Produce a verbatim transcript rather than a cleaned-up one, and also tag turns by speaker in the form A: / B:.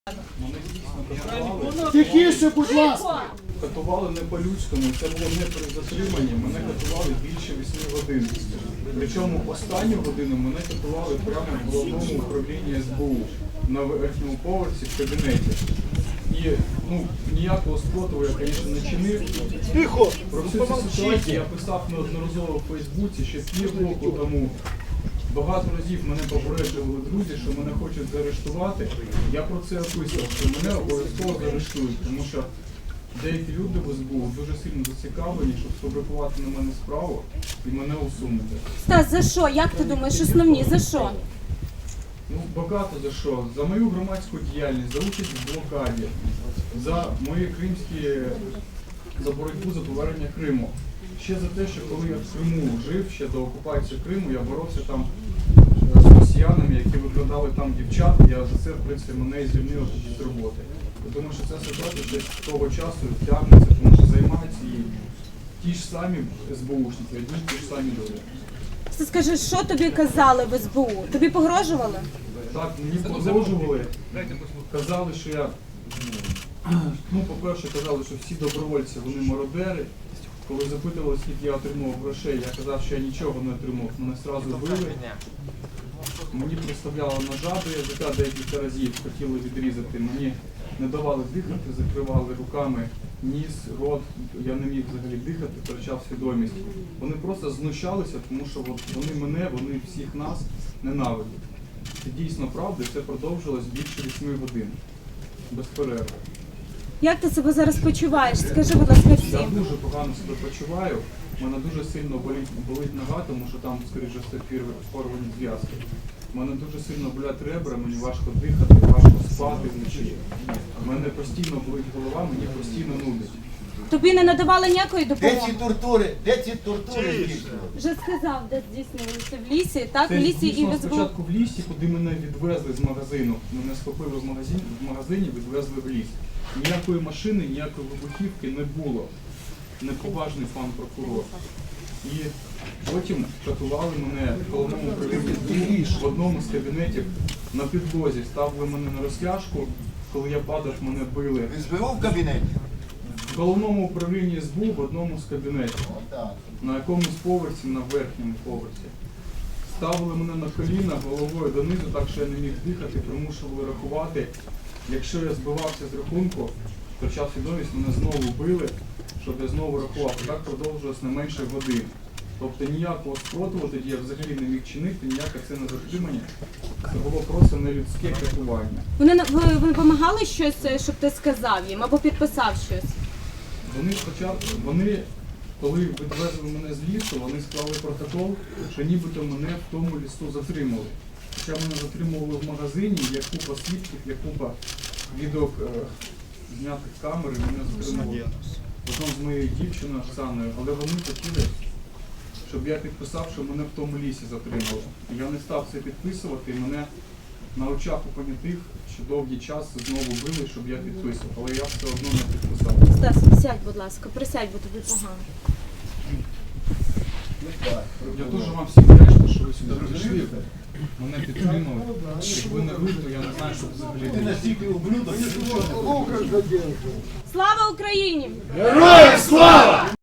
A: Тихіше, будь ласка!
B: Катували не по-людському, це було не при затриманні, мене катували більше восьми годин. Причому останню годину мене катували прямо в головному управлінні ес бе у на верхньому поверсі в кабінеті. І ну, ніякого спротиву я, звісно, не чинив.
A: Тихо!
B: Про всю цю ситуацію я писав неодноразово в Фейсбуці ще півроку тому. Багато разів мене попереджували друзі, що мене хочуть заарештувати. Я про це описував, що мене обов'язково заарештують, тому що деякі люди в ес бе у дуже сильно зацікавлені, щоб сфабрикувати на мене справу і мене усунути.
C: Стас, за що? Як ти думаєш, основні? За що?
B: Ну, багато за що. За мою громадську діяльність, за участь в блокаді, за мої кримські, за боротьбу за повернення Криму. Ще за те, що коли я в Криму жив, ще до окупації Криму, я боровся там з росіянами, які викрадали там дівчат, я за це, в принципі, мене і звільнили з роботи. Я думаю, що ця ситуація десь з того часу тягнеться, тому що займаються і ті ж самі ес бе у-шники, одні ті ж самі люди.
C: Ти скажи, що тобі казали в ес бе у? Тобі погрожували?
B: Так, мені погрожували, казали, що я, ну, по-перше, казали, що всі добровольці, вони мародери. Коли запитували, скільки я отримав грошей, я казав, що я нічого не отримав, мене одразу били. Мені приставляли ножа до язика декілька разів, хотіли відрізати. Мені не давали дихати, закривали руками ніс, рот, я не міг взагалі дихати, втрачав свідомість. Вони просто знущалися, тому що от вони мене, вони всіх нас ненавидять. Це дійсно правда, це продовжилось більше восьми годин, без перерви.
C: Як ти себе зараз почуваєш? Скажи, будь ласка,
B: Я
C: всім.
B: дуже погано себе почуваю, у мене дуже сильно болить, болить нога, тому що там, скоріше все, порвані зв'язки. У мене дуже сильно болять ребра, мені важко дихати, важко спати вночі. У мене постійно болить голова, мені постійно нудить.
C: Тобі не надавали ніякої
A: Де ці
C: допомоги?
A: тортури? Де ці тортури здійснювали?
C: Вже сказав, де здійснювалися в лісі, так? В
B: Це
C: лісі і
B: дійсно
C: в ес бе у.
B: спочатку в лісі, куди мене відвезли з магазину. Мене схопили в магазині, в магазині, відвезли в ліс. Ніякої машини, ніякої вибухівки не було. Неповажний пан прокурор. І потім катували мене в головному управлінні в одному з кабінетів на підлозі. Ставили мене на розтяжку. Коли я падав, мене били.
A: ес бе у в кабінеті?
B: В головному управлінні ес бе у в одному з кабінетів.
A: Отак.
B: На якомусь поверсі, на верхньому поверсі. Ставили мене на коліна головою донизу, так що я не міг дихати, примушували рахувати. Якщо я збивався з рахунку, втрачав свідомість, мене знову били, щоб я знову рахував. І так продовжилось не менше годин. Тобто ніякого спротиву тоді я взагалі не міг чинити, ніяке це не затримання. Це було просто нелюдське катування.
C: Вони, на- ви, ви вимагали щось, щоб ти сказав їм, або підписав щось?
B: Вони спочатку, вони, коли відвезли мене з лісу, вони склали протокол, що нібито мене в тому лісу затримали. Хоча мене затримували в магазині, є купа свідків, є купа відео е, знятих камер, і мене затримували разом з моєю дівчиною Оксаною, але вони хотіли, щоб я підписав, що мене в тому лісі затримали. І я не став це підписувати, і мене на очах у понятих ще довгий час знову били, щоб я підписував, але я все одно не підписав.
C: Стас, сядь, будь ласка, присядь, бо тобі погано.
B: Я дуже вам всім вдячний, що ви сюди прийшли, мене підтримали. Якби не ви, то я не знаю, що взагалі
A: Ти
B: було.
A: настільки ублюдок, що нічого не робиш.
C: Слава Україні!
A: Героям слава!